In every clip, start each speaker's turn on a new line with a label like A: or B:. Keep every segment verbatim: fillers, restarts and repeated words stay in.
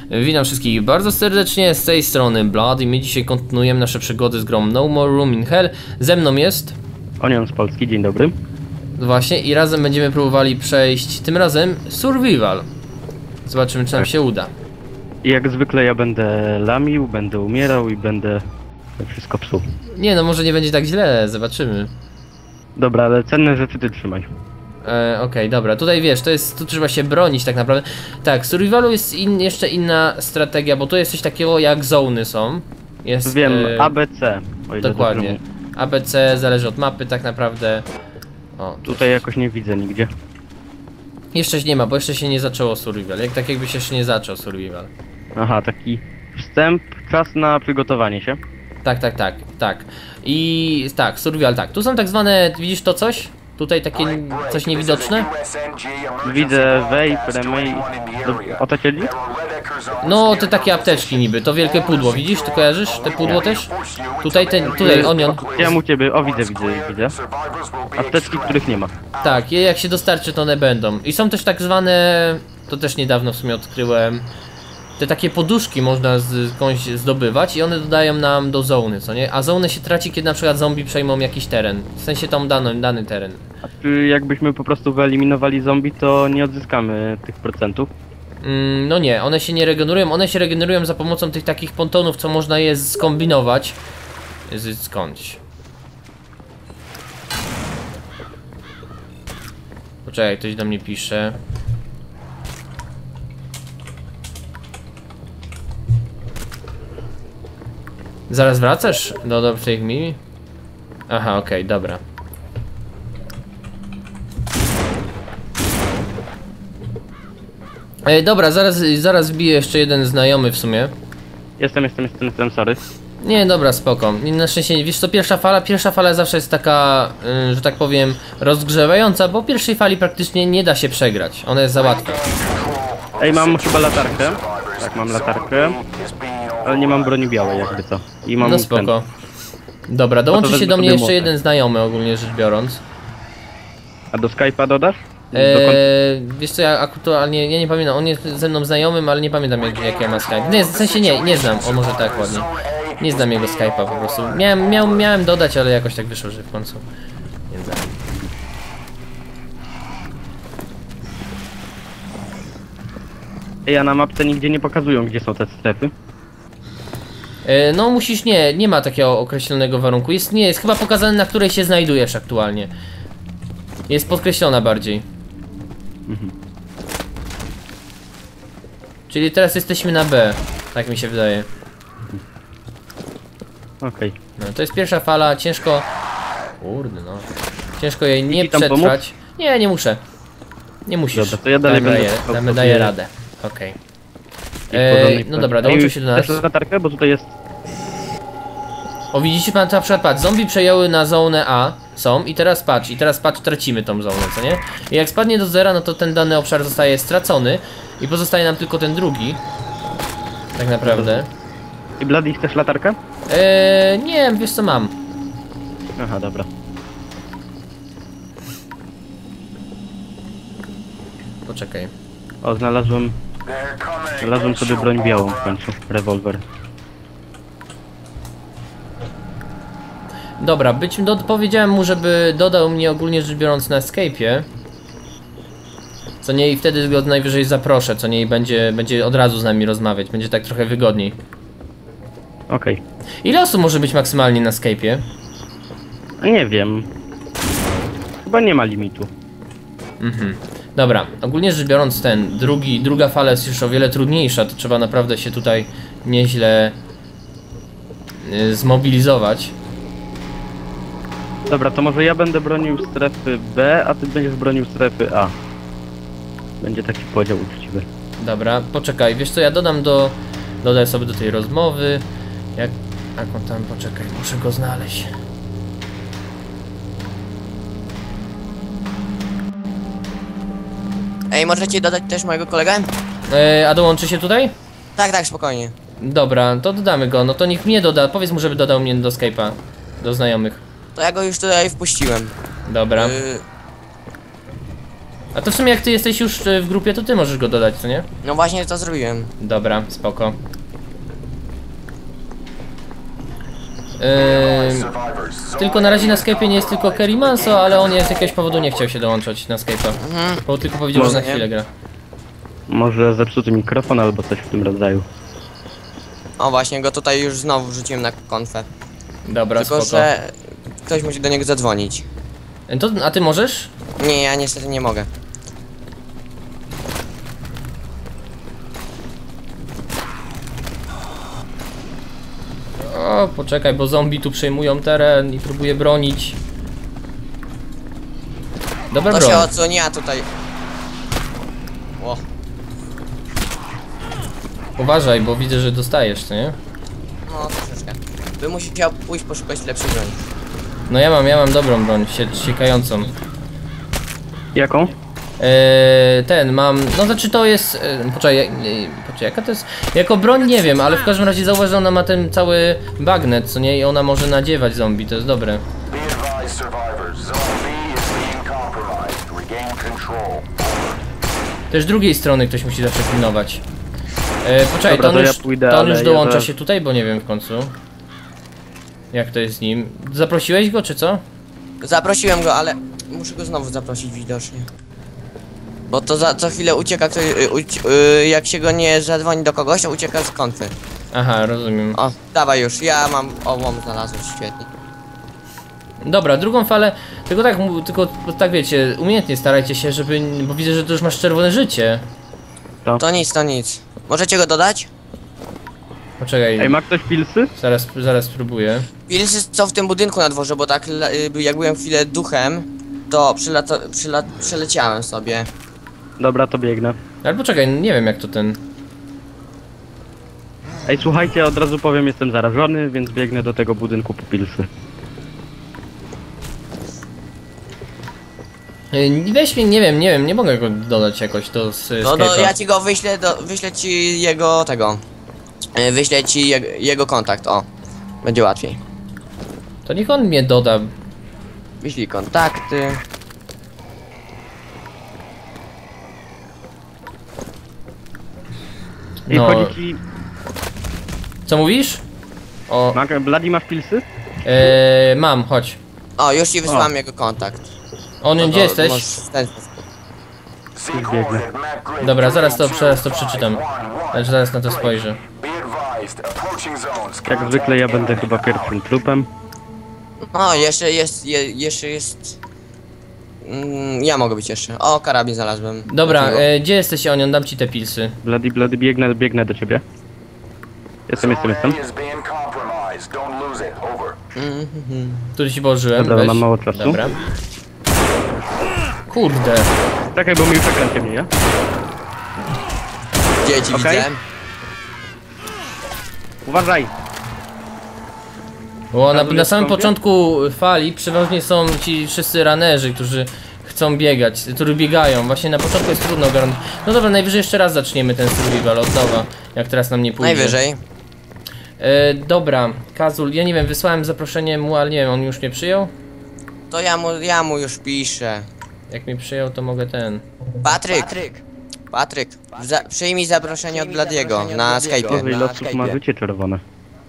A: Witam wszystkich bardzo serdecznie, z tej strony Blood i my dzisiaj kontynuujemy nasze przygody z grą No More Room in Hell. Ze mną jest...
B: Onion z Polski, dzień dobry.
A: Właśnie, i razem będziemy próbowali przejść, tym razem Survival. Zobaczymy, czy nam
B: Tak.
A: się uda.
B: I jak zwykle ja będę lamił, będę umierał i będę wszystko psuł.
A: Nie no, może nie będzie tak źle, zobaczymy.
B: Dobra, ale cenne rzeczy ty trzymaj.
A: E, Okej, okay, dobra, tutaj wiesz, to jest, tu trzeba się bronić tak naprawdę. Tak, w Survivalu jest in, jeszcze inna strategia, bo tu jest coś takiego jak zony są. Jest,
B: Wiem,
A: e,
B: A B C. O ile
A: dokładnie.
B: dobrze mówię.
A: A B C zależy od mapy tak naprawdę. O,
B: Tutaj jakoś nie widzę nigdzie.
A: jeszcze nie ma, bo jeszcze się nie zaczęło Survival. Jak tak jakby się jeszcze nie zaczął Survival.
B: Aha, taki wstęp, czas na przygotowanie się.
A: Tak, tak, tak, tak. I tak, Survival, tak. Tu są tak zwane, widzisz to coś? Tutaj takie coś niewidoczne?
B: Widzę vape, remake. O to chodzi?
A: No, te takie apteczki niby, to wielkie pudło, widzisz? Ty kojarzysz te pudło też? Tutaj ten, tutaj Onion.
B: Ja u ciebie, o widzę, widzę, widzę. Apteczki, których nie ma.
A: Tak, je jak się dostarczy, to one będą. I są też tak zwane, to też niedawno w sumie odkryłem, te takie poduszki można z skądś zdobywać i one dodają nam do zony, co nie? A zonę się traci, kiedy na przykład zombie przejmą jakiś teren. W sensie tam dany, dany teren.
B: A czy jakbyśmy po prostu wyeliminowali zombie, to nie odzyskamy tych procentów?
A: Mm, no nie, one się nie regenerują, one się regenerują za pomocą tych takich pontonów, co można je skombinować z skądś. Poczekaj, ktoś do mnie pisze. Zaraz wracasz do, do tych mi? Aha, okej, okay, dobra. Ej, dobra, zaraz, zaraz wbiję jeszcze jeden znajomy w sumie.
B: Jestem, jestem, jestem, jestem, sorry.
A: Nie, dobra, spoko. Na szczęście, wiesz co, pierwsza fala, pierwsza fala zawsze jest taka, yy, że tak powiem, rozgrzewająca, bo pierwszej fali praktycznie nie da się przegrać. Ona jest za łatwa.
B: Ej, mam chyba latarkę. Tak, mam latarkę. Ale nie mam broni białej, jakby co. I mam
A: No spoko. Dobra, dołączy się do mnie jeszcze jeden znajomy, ogólnie rzecz biorąc.
B: A do Skype'a dodasz?
A: Eee, wiesz co, ja aktualnie, ja nie pamiętam, on jest ze mną znajomym, ale nie pamiętam jak, jak ja ma Skype. Nie, w sensie nie, nie znam, o może tak ładnie. Nie znam jego Skype'a po prostu. Miałem, miał, miałem dodać, ale jakoś tak wyszło, że w końcu nie znam.
B: Ej, a na mapce nigdzie nie pokazują, gdzie są te strefy.
A: Eee, no musisz, nie, nie ma takiego określonego warunku. Jest, nie, jest chyba pokazane, na której się znajdujesz aktualnie. Jest podkreślona bardziej. Mhm. Czyli teraz jesteśmy na B, tak mi się wydaje.
B: Okej. Okay.
A: No to jest pierwsza fala, ciężko... Kurde no. Ciężko jej nie
B: Ci tam
A: przetrwać.
B: pomóc?
A: Nie, nie muszę. Nie musisz.
B: Dobra, to ja dalej
A: Damy,
B: będę
A: daję, damy, daję radę. Okej. Okay. Eee, no dobra, dołączył się do nas.
B: Też latarkę, bo tutaj jest...
A: O, widzicie pan, na przykład patrz, zombie przejęły na zonę A, są i teraz patrz, i teraz patrz, tracimy tą zonę, co nie? I jak spadnie do zera, no to ten dany obszar zostaje stracony i pozostaje nam tylko ten drugi. Tak naprawdę.
B: I Bloody, chcesz latarkę?
A: Eee, nie, wiesz co mam.
B: Aha, dobra.
A: Poczekaj.
B: O, znalazłem... Znalazłem sobie broń białą w końcu, rewolwer.
A: Dobra, być, do, powiedziałem mu, żeby dodał mnie ogólnie rzecz biorąc na Escape'ie. Co nie, i wtedy go najwyżej zaproszę, co nie, i będzie, będzie od razu z nami rozmawiać, będzie tak trochę wygodniej.
B: Okej. Okay.
A: Ile osób może być maksymalnie na Escape'ie?
B: Nie wiem. Chyba nie ma limitu. Mhm.
A: Dobra, ogólnie rzecz biorąc ten, drugi, druga fala jest już o wiele trudniejsza, to trzeba naprawdę się tutaj nieźle yy, zmobilizować.
B: Dobra, to może ja będę bronił strefy B, a ty będziesz bronił strefy A. Będzie taki podział uczciwy.
A: Dobra, poczekaj, wiesz co, ja dodam do... Dodaj sobie do tej rozmowy. Jak... Jak on tam, poczekaj, muszę go znaleźć.
C: Ej, możecie dodać też mojego kolegę?
A: Eee, a dołączy się tutaj?
C: Tak, tak, spokojnie.
A: Dobra, to dodamy go, no to niech mnie doda, powiedz mu, żeby dodał mnie do Skype'a. Do znajomych.
C: To ja go już tutaj wpuściłem.
A: Dobra.
C: Y
A: A to w sumie jak ty jesteś już y, w grupie, to ty możesz go dodać, co nie?
C: No właśnie to zrobiłem.
A: Dobra, spoko. Yy, tylko na razie na Skype'ie nie jest tylko Kerry Manso, ale on z jakiegoś powodu nie chciał się dołączać na Skype'a.
C: Mhm.
A: Bo tylko powiedział, że
B: Może
A: na
C: nie.
A: chwilę gra.
B: Może zepsuty mikrofon albo coś w tym rodzaju.
C: O właśnie, go tutaj już znowu wrzuciłem na konfę.
A: Dobra,
C: Tylko,
A: spoko.
C: że ktoś musi do niego zadzwonić.
A: To, a ty możesz?
C: Nie, ja niestety nie mogę.
A: O, poczekaj, bo zombie tu przejmują teren i próbuje bronić. Dobra,
C: To
A: broń.
C: się odsłoni, a tutaj... Ło.
A: Uważaj, bo widzę, że dostajesz, co nie?
C: No troszeczkę. By musiał pójść poszukać lepszej broni.
A: No ja mam, ja mam dobrą broń, sie siekającą.
B: Jaką?
A: Eee, ten mam, no znaczy to jest, e, poczekaj, e, poczekaj, jaka to jest, jako broń nie wiem, ale w każdym razie zauważ, że ona ma ten cały bagnet, co nie, i ona może nadziewać zombie, to jest dobre.
D: Be advised, survivors. Zone B is being compromised. Regain control.
A: Też drugiej strony ktoś musi zawsze pilnować. E, poczekaj,
B: Dobra,
A: to on
B: to ja
A: już,
B: pójdę,
A: to on
B: ale
A: już
B: ja
A: dołącza
B: zaraz-
A: się tutaj, bo nie wiem w końcu. Jak to jest z nim? Zaprosiłeś go, czy co?
C: Zaprosiłem go, ale muszę go znowu zaprosić widocznie. Bo to za co chwilę ucieka, kto, y, uci y, jak się go nie zadzwoni do kogoś, to ucieka z konfy.
A: Aha, rozumiem.
C: O, dawaj już, ja mam ołom znalazłem, świetnie.
A: Dobra, drugą falę, tylko tak, mu- tylko tak wiecie, umiejętnie starajcie się, żeby, bo widzę, że tu już masz czerwone życie.
C: To nic, to nic. Możecie go dodać?
A: Poczekaj,
B: Ej, ma ktoś pilsy?
A: zaraz, zaraz spróbuję.
C: Pilsy są w tym budynku na dworze, bo tak le- y, jak byłem chwilę duchem, to przylata, przyla przeleciałem sobie.
B: Dobra, to biegnę.
A: Ale poczekaj, nie wiem jak to ten...
B: Ej, słuchajcie, od razu powiem, jestem zarażony, więc biegnę do tego budynku po pilsy.
A: Yy, Weź mnie, nie wiem, nie wiem, nie mogę go dodać jakoś do s-
C: No do,
A: Skype'a.
C: ja ci go wyślę, do, wyślę ci jego tego. Y, Wyślę ci je, jego kontakt, o. Będzie łatwiej.
A: To niech on mnie doda.
C: Wyślij kontakty.
B: Ej,
A: No.
B: chodzi ci...
A: Co mówisz? O,
B: Ma... Bloody, masz pilsy?
A: yy, mam, chodź.
C: O, już ci wysłałem
B: O.
C: jego kontakt.
A: On,
C: No
A: gdzie
C: to
A: jesteś?
C: możesz w ten sposób.
D: See
B: biegnę.
D: coordinate map grid
A: Dobra, zaraz to,
D: three
A: zaraz to
D: two
A: przeczytam.
D: one one.
A: Znaczy, zaraz na to spojrzę.
D: Be advised, approaching zones.
B: Jak zwykle ja będę chyba pierwszym trupem.
C: O, jeszcze jest, je, jeszcze jest... Mm, ja mogę być jeszcze. O, karabin znalazłem.
A: Dobra,
C: Dlaczego?
A: e, gdzie jesteś, Onion? Dam ci te pilsy.
B: Bloody, Bloody, biegnę, biegnę do ciebie. Jestem, jestem, jestem.
D: Zone A is being compromised. Don't lose it. Over.
C: Mhm.
A: Tu ci położyłem.
B: Dobra,
A: weź.
B: mam mało czasu.
A: Dobra. Kurde.
B: Czekaj, bo mi już ekran ciemnieje.
C: Dzieci
B: Okej.
C: widzę.
B: Uważaj!
A: Bo na,
B: Gratuluję
A: na samym
B: skąpie.
A: początku fali przeważnie są ci wszyscy ranerzy, którzy chcą biegać, którzy biegają. Właśnie na początku jest trudno ogarnąć. No dobra, najwyżej jeszcze raz zaczniemy ten survival od nowa, jak teraz nam nie pójdzie.
C: Najwyżej.
A: E, dobra, Kazul, ja nie wiem, wysłałem zaproszenie mu, ale nie wiem, on już mnie przyjął?
C: To ja mu, ja mu już piszę.
A: Jak mnie przyjął, to mogę ten...
C: Patryk. Patryk. Za, przyjmij zaproszenie od Bladiego na Skype'ie.
B: Boże, ile osób ma życie czerwone.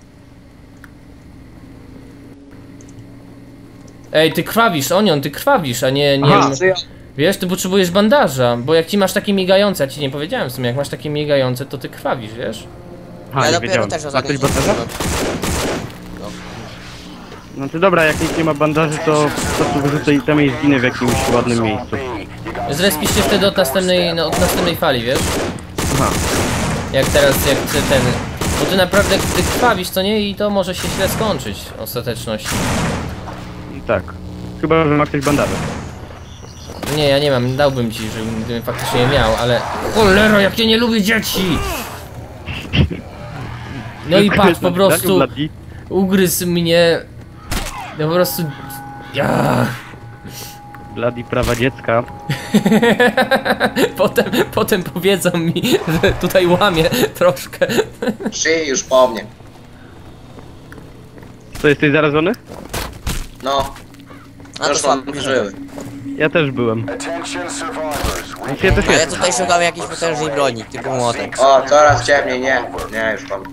A: Ej, ty krwawisz, Onion, ty krwawisz, a nie... nie
B: Aha.
A: Wiesz, ty potrzebujesz bandaża, bo jak ci masz takie migające, ja ci nie powiedziałem w sumie, jak masz takie migające, to ty krwawisz, wiesz?
B: Ha,
C: Ja
B: nie
C: dopiero
B: wiedziałem.
C: też
B: Ma
C: ostatnio
B: ktoś bandaża? Znaczy dobra, jak nikt nie ma bandaży, to po prostu wyrzucę itemy i zginę w jakimś ładnym miejscu.
A: Zrespisz się wtedy od następnej, no, od następnej fali, wiesz?
B: Aha.
A: Jak teraz, jak ty ten... Bo ty naprawdę, ty krwawisz, co nie? I to może się źle skończyć w ostateczności.
B: I tak. Chyba, że ma ktoś bandaże.
A: Nie, ja nie mam, dałbym ci, żebym gdybym faktycznie je miał, ale... Cholera, jak ja nie lubię dzieci! No i patrz, po prostu
B: Bloody.
A: ugryzł mnie... No po prostu... Ja.
B: Bloody prawa dziecka.
A: Potem, potem powiedzą mi, że tutaj łamie troszkę.
E: Przyjdź już po mnie.
B: Co, jesteś zarażony?
E: No,
C: A to
E: już mam
C: słabo.
E: żyły.
B: Ja też byłem.
D: Attention survivors.
B: Znaczy, ja też
C: A ja
B: jestem.
C: tutaj szukam jakiejś potężnej broni, typu młotek.
E: O, coraz ciemniej, nie. Nie, już mam.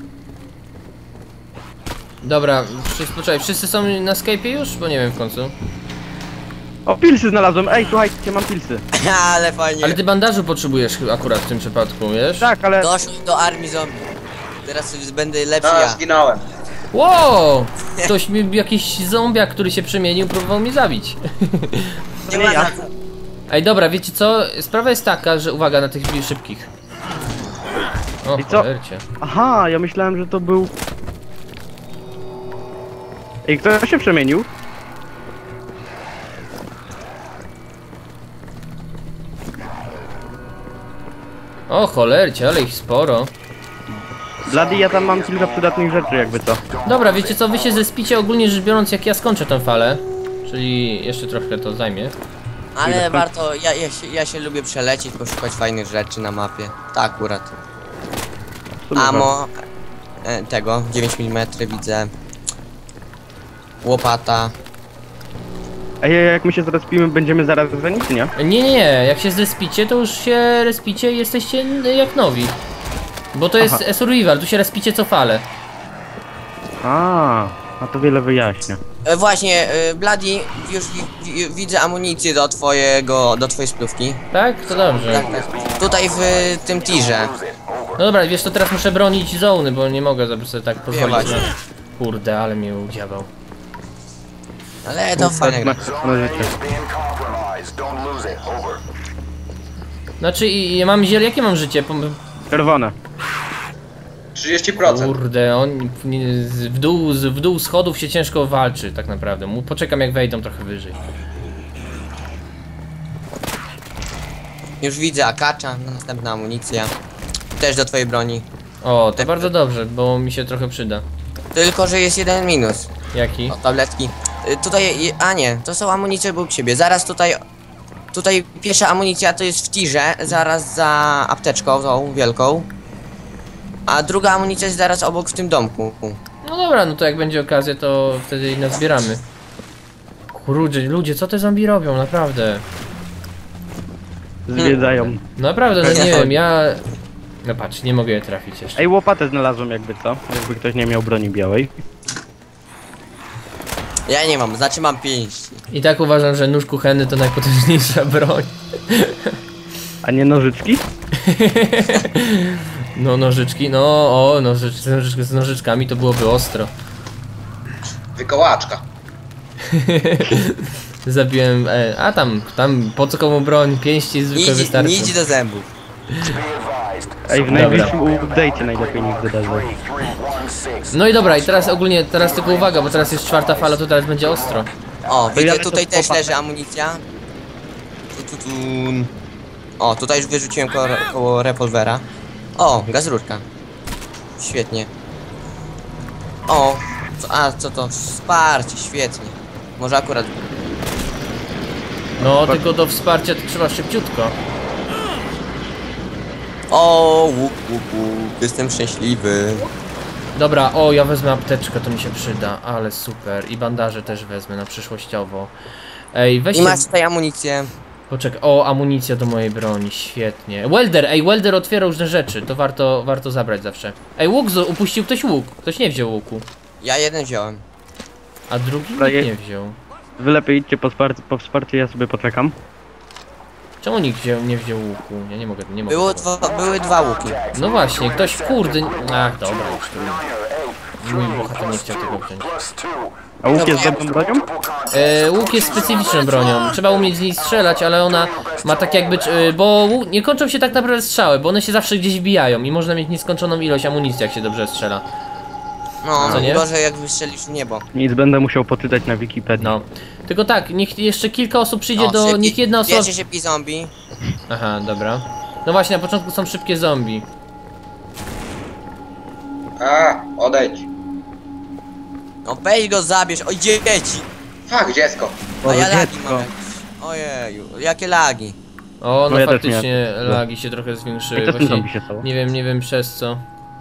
A: Dobra, wszyscy, poczekaj, wszyscy są na Skype'ie już? Bo nie wiem w końcu.
B: O, pilsy znalazłem. Ej, słuchajcie, mam pilsy.
C: Ale fajnie.
A: Ale ty bandażu potrzebujesz chyba akurat w tym przypadku, wiesz?
B: Tak, ale...
C: Doszło do armii zombie. Teraz będę lepszy
E: No,
C: ja.
E: zginąłem.
A: Wow! Ktoś mi, jakiś zombiak, który się przemienił, próbował mnie zabić.
C: Nie ma na co.
A: Ej, dobra, wiecie co? Sprawa jest taka, że uwaga na tych szybkich. O,
B: I co?
A: cholercie.
B: Aha, ja myślałem, że to był... Ej, kto się przemienił?
A: O, cholercie, ale ich sporo.
B: Bloody, ja tam mam kilka przydatnych rzeczy, jakby co.
A: Dobra, wiecie co? Wy się zespicie ogólnie rzecz biorąc, jak ja skończę tę falę. Czyli jeszcze trochę to zajmie.
C: Ale warto, ja, ja, się, ja się lubię przelecieć, poszukać fajnych rzeczy na mapie. Tak akurat.
B: W sumie warto.
C: Amo e, tego, dziewięć milimetrów widzę. Łopata.
B: Ej, jak my się zrespimy, będziemy zaraz zeni, czy nie?
A: Nie, nie, nie, jak się zrespicie, to już się respicie i jesteście jak nowi. Bo to jest
B: Aha.
A: survival, tu się respicie co falę.
B: A, a to wiele wyjaśnia.
C: E, właśnie, e, Bloody, już wi, wi, widzę amunicję do twojego, do twojej splówki.
A: Tak? To dobrze.
C: Tak, tak. Tutaj w tym tirze.
A: No dobra, wiesz to teraz muszę bronić zony, bo nie mogę sobie tak pozwolić.
C: właśnie.
A: Na... Kurde, ale mnie udziałał.
C: Ale to fajne gra.
B: No, życie.
D: Is being compromised. Don't lose it. Over.
A: Znaczy, i, i mam ziel, jakie mam życie? Pom-
B: Czerwone.
E: trzydzieści procent.
A: Kurde, on nie- z- w dół, z- w dół schodów się ciężko walczy tak naprawdę. Mu- Poczekam jak wejdą trochę wyżej.
C: Już widzę akacza, następna amunicja. Też do twojej broni.
A: O, to bardzo dobrze, bo mi się trochę przyda.
C: Tylko, że jest jeden minus.
A: Jaki?
C: O, tabletki. Y, Tutaj, y, a nie, to są amunicje obok siebie. Zaraz tutaj, tutaj pierwsza amunicja to jest w tirze, zaraz za apteczką tą wielką. A druga amunicja jest zaraz obok w tym domku.
A: No dobra, no to jak będzie okazja, to wtedy i nazbieramy. Kurde, ludzie, co te zombie robią, naprawdę?
B: Zwiedzają.
A: Naprawdę, no nie wiem, ja... No patrz, nie mogę je trafić jeszcze.
B: Ej, łopatę znalazłem, jakby co. Jakby ktoś nie miał broni białej.
C: Ja nie mam, znaczy mam pięści.
A: I tak uważam, że nóż kuchenny to najpotężniejsza broń.
B: A nie nożyczki?
A: No nożyczki, no o, nożycz, nożycz, z nożyczkami to byłoby ostro.
E: Wykołaczka.
A: Zabiłem, e, a tam, tam po co komu broń, pięści zwykle
C: Idź,
A: wystarczy.
C: idź do zębów.
D: Be advised.
B: Ej, w najbliższym update'cie najlepiej niech wydarzy.
D: three one six.
A: No i dobra, i teraz ogólnie, teraz tylko uwaga, bo teraz jest czwarta fala, to teraz będzie ostro.
C: O,
B: To ja
C: widzę,
B: lecę
C: tutaj
B: w
C: też
B: łopatę.
C: leży amunicja. Tu, tu, tu. O, tutaj już wyrzuciłem koło, koło rewolwera. O, gaz rurka. Świetnie. O, co, a co to? Wsparcie, świetnie. Może akurat.
A: No, tylko do wsparcia to trzeba szybciutko.
C: O, łuk, łuk, łuk. Jestem szczęśliwy.
A: Dobra, o, ja wezmę apteczkę, to mi się przyda, ale super. I bandaże też wezmę na przyszłościowo. Ej,
C: I
A: weźcie...
C: masz tutaj amunicję.
A: Poczekaj, o, amunicja do mojej broni, świetnie. Welder, ej, welder otwiera różne rzeczy, to warto, warto zabrać zawsze. Ej, łuk, zo- upuścił ktoś łuk, ktoś nie wziął łuku.
C: Ja jeden wziąłem.
A: A drugi
B: Dobra,
A: nikt
B: je-
A: nie wziął.
B: Wy lepiej idźcie po wsparcie, po wsparcie, ja sobie poczekam.
A: Czemu nikt wziął, nie wziął łuku? Ja nie mogę, nie mogę.
C: Było dwa, były dwa łuki.
A: No właśnie, ktoś, kurde, ach, dobra, już tu. Mój bohater nie chciał tego wziąć.
D: Plus two.
B: A łuk jest dobrą bronią?
A: E, łuk jest specyficzną bronią, trzeba umieć z niej strzelać, ale ona ma tak jakby, e, bo łuk, nie kończą się tak naprawdę strzały, bo one się zawsze gdzieś wbijają i można mieć nieskończoną ilość amunicji, jak się dobrze strzela.
C: No,
A: Co nie?
C: gorzej jak wystrzelisz w niebo.
B: Nic, będę musiał poczytać na Wikipedii.
A: No. Tylko tak, niech jeszcze kilka osób przyjdzie
C: O,
A: do,
C: szybki-
A: niech jedna osoba...
C: Pierwszy szybki zombie.
A: Aha, dobra. No właśnie, na początku są szybkie zombie.
E: A, odejdź.
C: No weź go zabierz, oj dzieci!
E: Fak, dziecko.
C: A ja
B: Boże,
C: lagi
B: dziecko.
C: mam. Ojeju, jakie lagi.
A: O, no,
B: No ja też
A: faktycznie
B: miałem.
A: lagi się trochę
B: Ej,
A: zwiększyły.
B: co z tym
A: Właśnie,
B: zombie się stało?
A: nie wiem, nie wiem przez co.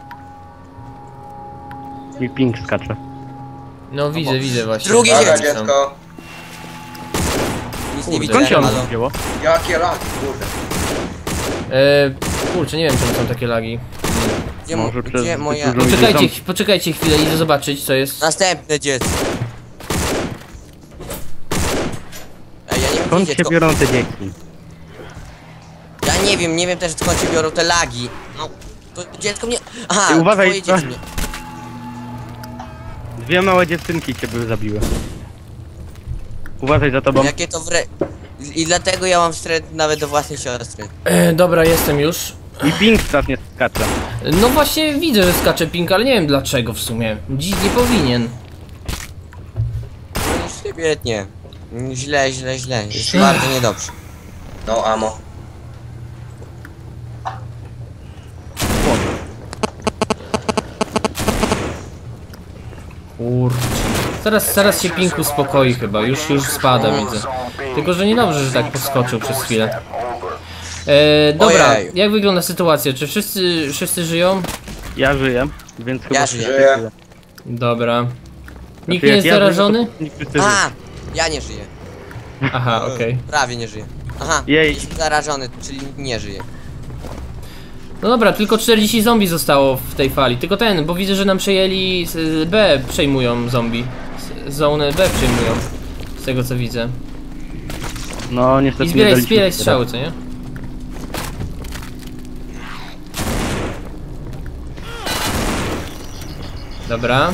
B: Mi ping skacze.
A: No widzę, widzę właśnie.
C: Drugie
A: Lagi
E: Dobra,
C: dziecko.
A: są.
E: dziecko.
C: Nic nie
A: Kurde.
C: widzę,
B: Skąd się ono
C: halo.
B: wzięło?
E: Jakie laki, kurde.
A: E, kurczę, nie wiem czemu są takie lagi.
C: Gdzie, mo-
B: Może przez
C: gdzie moja...
B: dużo-
A: Poczekajcie, poczekajcie chwilę, idę zobaczyć co jest.
C: Następne dziecko. Ej, ja nie wiem
B: Skąd
C: gdzie
B: się
C: dziecko.
B: biorą te dzieci?
C: Ja nie wiem, nie wiem też skąd się biorą te lagi. No, to dziecko mnie... Aha,
B: Ej, uważaj,
C: twoje dzieci
B: co?
C: mnie...
B: Dwie małe dziewczynki cię były zabiły. Uważaj za tobą.
C: Jakie to wre... I dlatego ja mam wstręt nawet do własnej siostry.
A: E, dobra, jestem już.
B: I ping strasznie skacze.
A: No właśnie widzę, że skacze pink, ale nie wiem dlaczego w sumie. Dziś nie powinien.
C: No świetnie. Źle, źle, źle. Jest bardzo niedobrze.
E: No amo.
A: Kurczę. Zaraz, zaraz się pink uspokoi chyba, już, już spada widzę. Tylko, że niedobrze, że tak podskoczył przez chwilę. E, dobra,
C: Ojej.
A: jak wygląda sytuacja? Czy wszyscy, wszyscy żyją?
B: Ja żyję, więc chyba...
C: Ja
B: wszyscy
C: żyję.
B: żyją.
A: Dobra. Nikt
B: Znaczy,
A: nie
B: jak
A: jest
B: ja żyję,
A: zarażony?
B: to nikt wszyscy żyje.
C: A, ja nie żyję.
A: Aha, okej.
C: Prawie nie żyję. Aha,
B: Jej.
C: jestem zarażony, czyli nie żyję.
A: No dobra, tylko czterdzieści zombie zostało w tej fali. Tylko ten, bo widzę, że nam przejęli z- B, przejmują zombie. Z- Zonę B przejmują. Z tego co widzę.
B: No niestety
A: I
B: nie
A: zbieraj,
B: daliśmy
A: zbieraj
B: się
A: strzały, co nie? Dobra.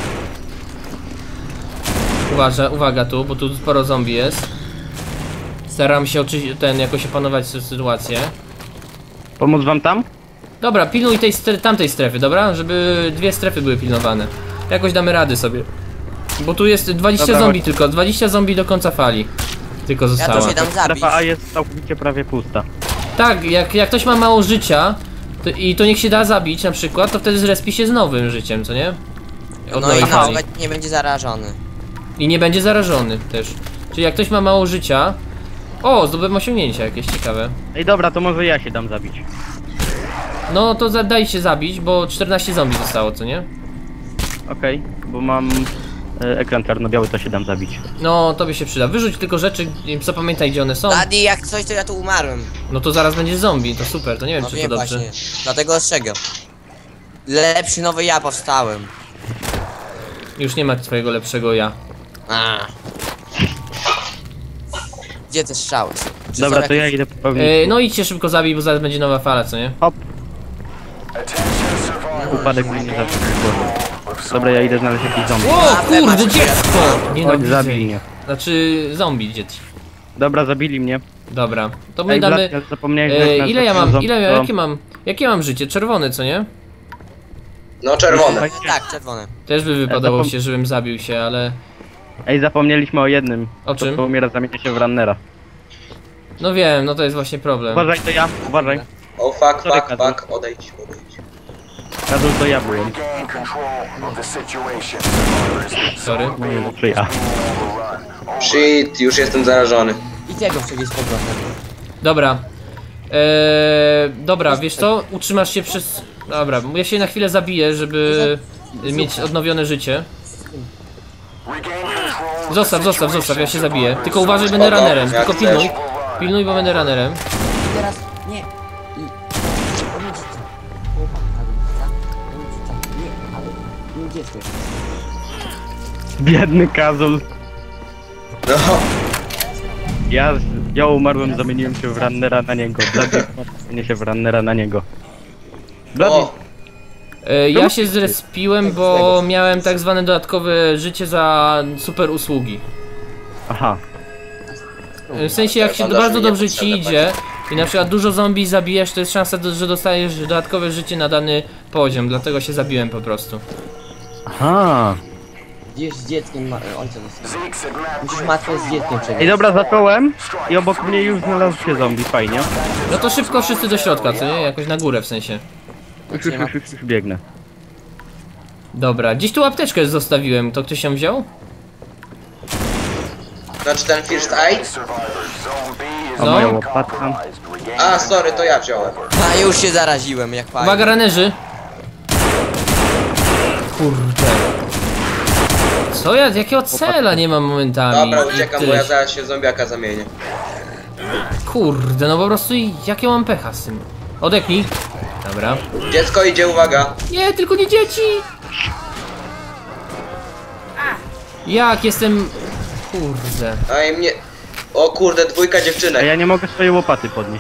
A: Uważa, uwaga tu, bo tu sporo zombie jest. Staram się oczywiście ten jakoś opanować tę sytuację.
B: Pomóc wam tam?
A: Dobra, pilnuj tej stre tamtej strefy, dobra? Żeby dwie strefy były pilnowane. Jakoś damy rady sobie. Bo tu jest dwadzieścia
B: Dobra,
A: zombie
B: chodź.
A: tylko, dwadzieścia zombie do końca fali. Tylko
C: Ja
A: zostało.
C: to się dam zabić.
B: Strefa A jest całkowicie prawie pusta.
A: Tak, jak, jak ktoś ma mało życia to, i to niech się da zabić na przykład, to wtedy zrespi się z nowym życiem, co nie? Od
C: No
A: nowej
C: i na
A: fali.
C: przykład nie będzie zarażony.
A: I nie będzie zarażony też. Czyli jak ktoś ma mało życia... O, zdobyłem osiągnięcia jakieś ciekawe.
B: Ej dobra, to może ja się dam zabić.
A: No to za- daj się zabić, bo czternaście zombie zostało, co nie?
B: Okej, bo mam e, ekran czarno-biały, to się dam zabić.
A: No, tobie się przyda. Wyrzuć tylko rzeczy, i zapamiętaj gdzie one są.
C: Daddy, jak coś to ja tu umarłem.
A: No to zaraz będzie zombie, to super, to nie wiem
C: No
A: czy to
C: wiem
A: dobrze.
C: właśnie. Dlatego ostrzegam. Lepszy nowy ja powstałem.
A: Już nie ma twojego lepszego ja.
C: A. Gdzie te strzały? Czy
B: Dobra,
C: są
B: to ja
C: jakieś-
B: idę popełnić.
A: E, no idźcie szybko zabij, bo zaraz będzie nowa fala, co nie?
B: Hop,
D: Attention survivors.
B: upadek mnie nie zawsze Dobra, ja idę znaleźć jakiś zombie.
A: O
C: A,
A: kurde,
C: macie
A: dziecko!
B: Chodź,
A: Nienawidzę.
B: zabij mnie.
A: Znaczy zombie dzieci.
B: Dobra, zabili mnie.
A: Dobra, to my
B: Ej,
A: damy...
B: Blaszka, zapomniałeś, że
A: E,
B: jak
A: ile ja
B: nas
A: mam,
B: zombie,
A: ile,
B: to-
A: jakie mam, jakie mam życie? Czerwone, co nie?
E: No czerwone.
C: Tak, czerwone.
A: Też by wypadało
B: zapom-
A: się, żebym zabił się, ale...
B: Ej, zapomnieliśmy o jednym.
A: O czym?
B: To umiera, zamienia się w runnera.
A: No wiem, no to jest właśnie problem.
B: Uważaj, to ja, uważaj.
E: O fuck,
B: Sorry,
E: fuck,
B: Kazul.
E: fuck, odejdź, odejdź.
B: Kazul, to ja byłem.
D: Gain control of the situation, survivors.
A: Sorry.
B: Nie wiem, czy ja.
D: Overrun.
E: Shit, już jestem zarażony.
C: I tego przewieźć z powrotem.
A: Dobra. Eee, dobra, wiesz co? Utrzymasz się przez... Dobra, ja się na chwilę zabiję, żeby mieć odnowione życie.
D: Regain control of the
A: Zostaw, zostaw, zostaw, ja się
D: situation,
A: zabiję.
D: survivors.
A: Tylko uważaj, będę
E: Spoko,
A: runnerem.
E: jak
A: Tylko
E: chcesz.
A: pilnuj. Pilnuj, bo będę runnerem.
C: I teraz nie. I rodzice. Chłopak, rodzica. Rodzica. Nie, ale nie dziecko.
B: Biedny Kazul.
E: No,
B: Ja, ja umarłem, zamieniłem się w runnera na niego. Blady zamienię się w runnera na niego. Blady,
E: o,
A: E, ja się zrespiłem, bo miałem tak zwane dodatkowe życie za super usługi.
B: aha.
A: W sensie jak się
E: Bandaż
A: bardzo
E: mi nie
A: dobrze ci
E: potrzebne
A: idzie i na przykład dużo zombie zabijesz, to jest szansa, do- że dostajesz dodatkowe życie na dany poziom, dlatego się zabiłem po prostu.
B: Aha.
C: Gdzieś z dzieckiem ma... ojca został.
D: Zeke said map
C: Musisz
D: great.
C: matkę z dzieckiem
B: Ej,
C: przewieźć.
B: dobra, zacząłem i obok mnie już znalazł się zombie, fajnie.
A: No to szybko wszyscy do środka, co nie? Jakoś na górę w sensie.
B: Już, już, już, już, już biegnę.
A: Dobra, gdzieś tu apteczkę zostawiłem, to ktoś ją wziął?
E: znaczy ten first aid?
D: Survivors. Zone B is
B: O,
A: No.
B: moja łopatka.
D: compromised. Regain
E: A, sorry, to ja wziąłem.
C: A już się zaraziłem, jak fajnie.
A: Uwaga, ranerzy! Kurde. Co ja, jakiego cela nie mam momentami?
E: Dobra, uciekam,
A: Ty,
E: bo ja zaraz się w zombiaka zamienię.
A: Kurde, no po prostu jakie mam pecha z tym. Odepnij. Dobra.
E: Dziecko idzie, uwaga.
A: Nie, tylko nie dzieci! Jak jestem... Kurde.
E: A i mnie... O kurde, dwójka
B: A
E: dziewczynek.
B: ja nie mogę swojej łopaty podnieść.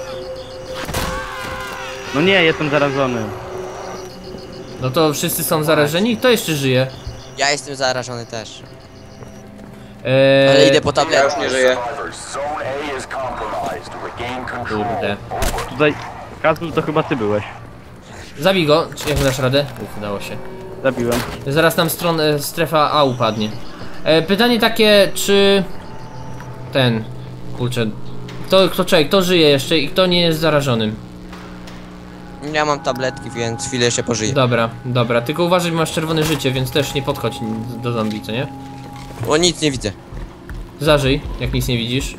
B: No nie, jestem zarażony.
A: No to wszyscy są zarażeni? Kto jeszcze żyje?
C: Ja jestem zarażony też.
A: Eee,
C: Ale idę po
E: Ja
C: tabletę.
E: już nie żyję.
D: Survivors, zone A is compromised. Regain control.
A: Kurde.
B: Tutaj, Kazus, to chyba ty byłeś.
A: Zabij go, czy jak dasz radę? Uf, udało się.
B: Zabiłem.
A: Zaraz nam stron, e, strefa A upadnie. E, pytanie takie, czy... Ten... Kurczę... Kto, kto, czekaj, kto żyje jeszcze i kto nie jest zarażonym?
C: Ja mam tabletki, więc chwilę się pożyję.
A: Dobra, dobra, tylko uważaj, bo masz czerwone życie, więc też nie podchodź do zombie, co nie?
C: O, nic nie widzę.
A: Zażyj, jak nic nie widzisz.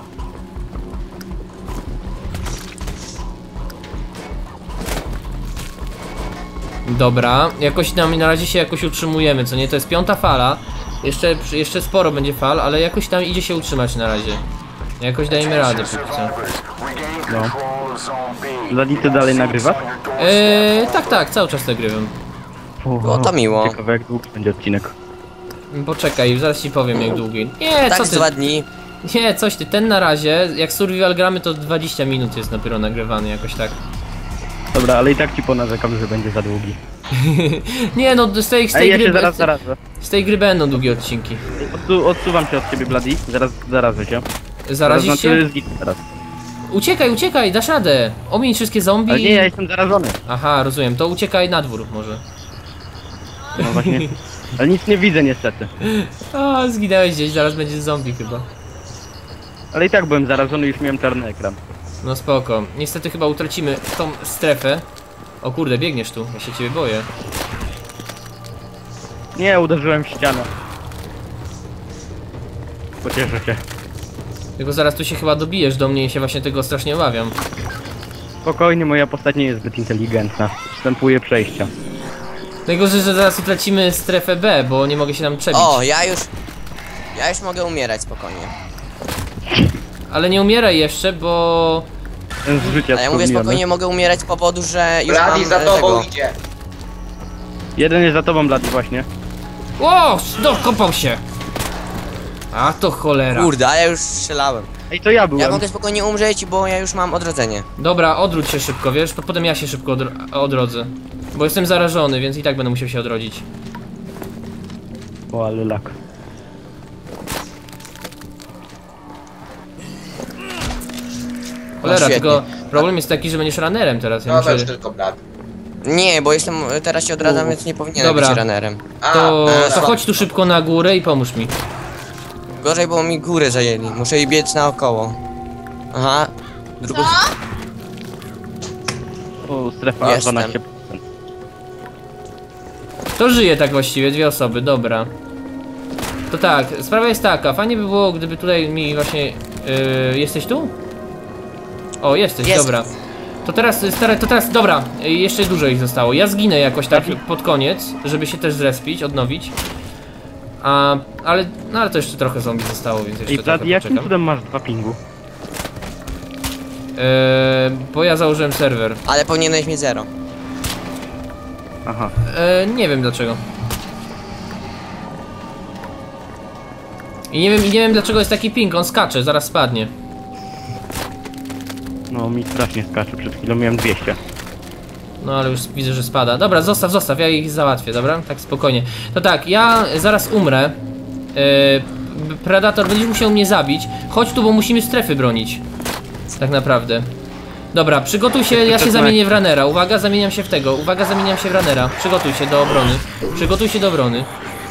A: Dobra, jakoś nam na razie się jakoś utrzymujemy, co nie? To jest piąta fala. Jeszcze, jeszcze sporo będzie fal, ale jakoś tam idzie się utrzymać na razie. Jakoś dajemy radę póki co.
D: Regain
B: No.
D: control of zone B.
B: Ladi, ty dalej nagrywasz?
A: Eee, tak, tak, cały czas nagrywam.
C: O, to miło.
B: Ciekawe, jak długi będzie odcinek.
A: Poczekaj, zaraz ci powiem jak długi. Nie,
C: Tak
A: co
C: z
A: ty?
C: dwa dni.
A: Nie, coś ty, ten na razie, jak survival gramy to dwadzieścia minut jest dopiero nagrywany, jakoś tak.
B: Dobra, ale i tak ci ponarzekam, że będzie za długi.
A: Nie no, z tej, z tej
B: Ej, ja
A: gry...
B: się zaraz zarażę.
A: Z tej gry będą długie odcinki.
B: Odsu odsuwam się od ciebie, Bloody. Zaraz zarażę się.
A: Zarazisz
B: Zaraz,
A: się?
B: znaczy, zginę teraz.
A: Uciekaj, uciekaj, dasz radę. Omiń wszystkie zombie.
B: Ale nie, ja jestem zarażony.
A: Aha, rozumiem, to uciekaj na dwór może.
B: No właśnie. Ale nic nie widzę niestety.
A: A, zginęłeś gdzieś, zaraz będzie zombie chyba.
B: Ale i tak byłem zarażony, już miałem czarny ekran.
A: No spoko. Niestety chyba utracimy tą strefę. O kurde, biegniesz tu, ja się ciebie boję.
B: Nie, uderzyłem w ścianę. Pocieszę się.
A: Tylko zaraz tu się chyba dobijesz do mnie i się właśnie tego strasznie obawiam.
B: Spokojnie, moja postać nie jest zbyt inteligentna. Wstępuje przejścia.
A: Najgorzej, że zaraz utracimy strefę B, bo nie mogę się tam przebić.
C: O, ja już... Ja już mogę umierać spokojnie.
A: Ale nie umieraj jeszcze, bo...
B: Ten z życia
C: A ja mówię
B: wspomniany.
C: spokojnie mogę umierać z powodu, że już
E: Brady
C: mam
E: za
C: e,
E: tobą
C: tego.
E: idzie.
B: Jeden jest za tobą, Bloody, właśnie.
A: O, dokopał się! A to cholera.
C: Kurde, a ja już strzelałem.
B: Ej, to ja byłem.
C: Ja mogę spokojnie umrzeć, bo ja już mam odrodzenie.
A: Dobra, odwróć się szybko, wiesz, to potem ja się szybko odro odrodzę. Bo jestem zarażony, więc i tak będę musiał się odrodzić.
B: O, ale lak.
A: Cholera,
C: świetnie.
A: tylko problem jest taki, że będziesz runnerem teraz. Ja
E: No to już
A: muszę...
E: tylko blat.
C: Nie, bo jestem... Teraz się odradzam,
A: U.
C: więc nie powinienem
A: Dobra.
C: być runnerem.
E: A,
A: To,
E: e,
A: to chodź tu szybko na górę i pomóż mi.
C: Gorzej, bo mi górę zajęli. Muszę jej biec naokoło. Aha. Drugą...
B: O, strefa
C: Jestem.
B: dwanaście procent.
A: To żyje tak właściwie, dwie osoby, dobra. To tak, sprawa jest taka, fajnie by było, gdyby tutaj mi właśnie... Yy, jesteś tu? O, jesteś,
C: Jest.
A: dobra. To teraz, stare, to teraz, dobra, yy, jeszcze dużo ich zostało. Ja zginę jakoś tak pod koniec, żeby się też zrespić, odnowić. A, ale, no ale to jeszcze trochę zombie zostało, więc jeszcze
B: Ej,
A: trochę
B: Bloody, jakim
A: poczekam.
B: cudem masz dwa pingu?
A: Yy, bo ja założyłem serwer.
C: Ale powinieneś mieć zero.
B: Aha.
A: Yy, nie wiem dlaczego. I nie wiem, i nie wiem dlaczego jest taki ping, on skacze, zaraz spadnie.
B: No, mi strasznie skacze. Przed chwilą miałem dwieście.
A: No ale już widzę, że spada. Dobra, zostaw, zostaw, ja ich załatwię, dobra? Tak spokojnie. To tak, ja zaraz umrę. Yy, Predator, będziesz musiał mnie zabić. Chodź tu, bo musimy strefy bronić. Tak naprawdę. Dobra, przygotuj się, ja się zamienię w runnera. Uwaga, zamieniam się w tego. Uwaga, zamieniam się w runnera. Przygotuj się do obrony. Przygotuj się do obrony.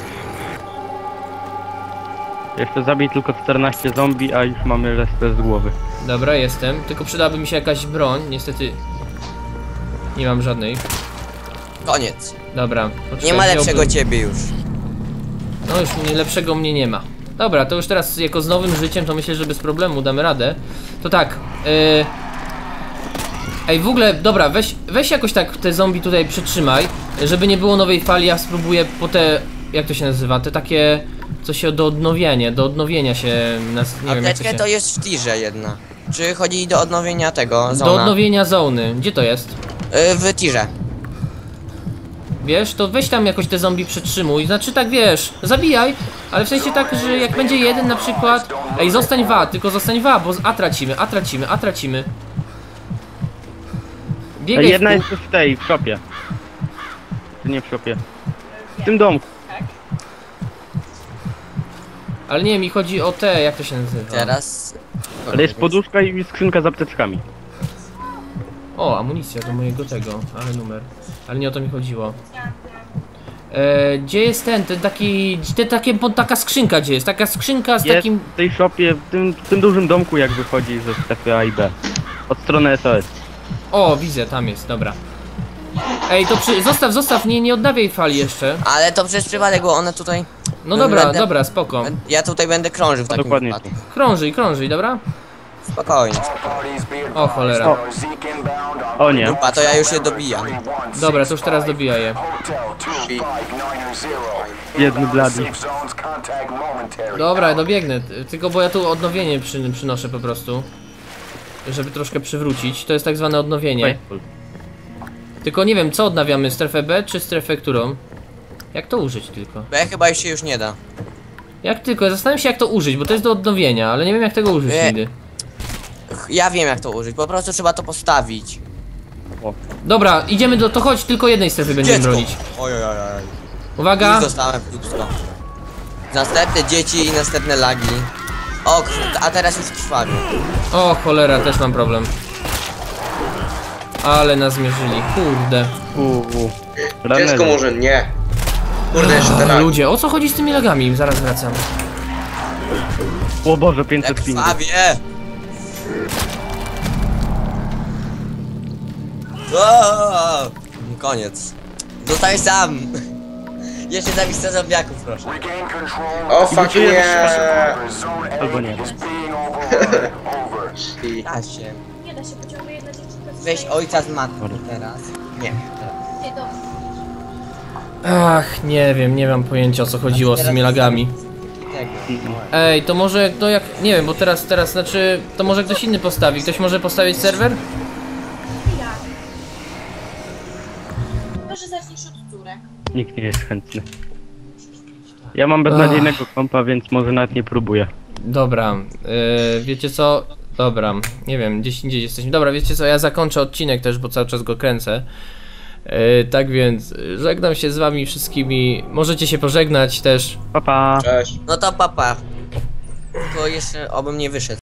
B: Jeszcze zabij tylko czternaście zombie, a już mamy resztę z głowy.
A: Dobra, jestem. Tylko przydałaby mi się jakaś broń. Niestety nie mam żadnej.
C: Koniec.
A: Dobra.
C: Nie ma
A: poczekaj,
C: lepszego
A: wziąłbym-
C: ciebie już.
A: No już mnie, lepszego mnie nie ma. Dobra, to już teraz jako z nowym życiem to myślę, że bez problemu damy radę. To tak, yy... Ej, w ogóle, dobra, weź, weź jakoś tak te zombie tutaj przytrzymaj, żeby nie było nowej fali, ja spróbuję po te jak to się nazywa? Te takie, co się do odnowienia, do odnowienia się, nas, nie wiem jak to
C: Apteczkę
A: się...
C: to jest w tirze jedna. Czy chodzi do odnowienia tego,
A: Do
C: zona?
A: odnowienia zony. Gdzie to jest?
C: Y, w tirze.
A: Wiesz, to weź tam jakoś te zombie przetrzymuj, znaczy tak wiesz, zabijaj, ale w sensie tak, że jak będzie jeden na przykład... Ej, zostań w A, tylko zostań w A, bo A tracimy, A tracimy, A tracimy. Biegaj
B: Jedna
A: w
B: jest w tej, w shopie. Czy nie w shopie? W tym domku.
A: Ale nie, mi chodzi o te, jak to się nazywa?
C: Teraz...
B: Ale jest poduszka i skrzynka z apteczkami.
A: O, amunicja do mojego tego, ale numer. Ale nie o to mi chodziło. E, gdzie jest ten, ten taki, te, takie, bo taka skrzynka gdzie jest? Taka skrzynka z
B: Jest
A: takim...
B: w tej shopie, w tym, w tym dużym domku jak wychodzi ze strefy A i B. Od strony S O S.
A: O, widzę, tam jest, dobra. Ej, to przy... zostaw, zostaw, nie, nie odnawiaj fali jeszcze.
C: Ale to przez przypadek, bo one tutaj...
A: No dobra,
C: Będę-
A: dobra, spoko.
C: Ja tutaj będę krążył w takim
B: Dokładnie.
C: wypadku.
A: Krążyj, krążyj, dobra?
C: Spokojnie.
A: O cholera.
B: O nie.
C: Grupa, to ja już je dobijam.
A: Dobra, to już teraz dobija je.
B: Jedny blady.
A: Dobra, dobiegnę, t- tylko bo ja tu odnowienie przy, przynoszę po prostu. Żeby troszkę przywrócić, to jest tak zwane odnowienie. Tylko nie wiem, co odnawiamy, strefę B czy strefę którą? Jak to użyć tylko?
C: B chyba się już nie da.
A: Jak tylko, zastanawiam się jak to użyć, bo to jest do odnowienia, ale nie wiem jak tego użyć
C: Nie.
A: nigdy.
C: Ch- Ja wiem jak to użyć, po prostu trzeba to postawić.
A: Dobra, idziemy do, to chodź, tylko jednej strefy będziemy
C: Dziecko!
A: bronić.
C: Oj, oj, oj, oj.
A: Uwaga!
C: Już dostałem w dupsko. Następne dzieci i następne lagi. O, krw- a teraz już krwawie.
A: O cholera, też mam problem. Ale nas zmierzyli, kurde.
B: Uuu.
E: Dziecko może nie. Kurde, jeszcze
A: O,
E: teraz.
A: ludzie, o co chodzi z tymi lagami? Zaraz wracam.
B: O Boże,
C: Jak
B: pięćset pingu.
C: krwawie! O, koniec. Zostałeś sam. Jeszcze zabij zombiaków, proszę.
E: O fuck nie.
B: Albo nie.
E: I-
C: Da się.
F: Nie da się, pociąguje jedna dziewczynka.
C: Weź ojca z matką teraz. Nie. teraz.
F: Nie, dobra.
A: Ach, nie wiem, nie mam pojęcia o co chodziło z tymi lagami.
C: Tego.
A: Ej, to może, no jak, nie wiem, bo teraz, teraz, znaczy, to może ktoś inny postawi. Ktoś może postawić serwer?
F: Ja. Może zaczniesz od córek.
B: Nikt nie jest chętny. Ja mam beznadziejnego kompa, więc może nawet nie próbuję.
A: Dobra, yy, wiecie co? Dobra, nie wiem, gdzieś indziej jesteśmy. Dobra, wiecie co, ja zakończę odcinek też, bo cały czas go kręcę. Yy, tak więc, yy, żegnam się z wami wszystkimi. Możecie się pożegnać też.
B: Pa pa.
E: Cześć.
C: No to papa. Tylko jeszcze obym nie wyszedł.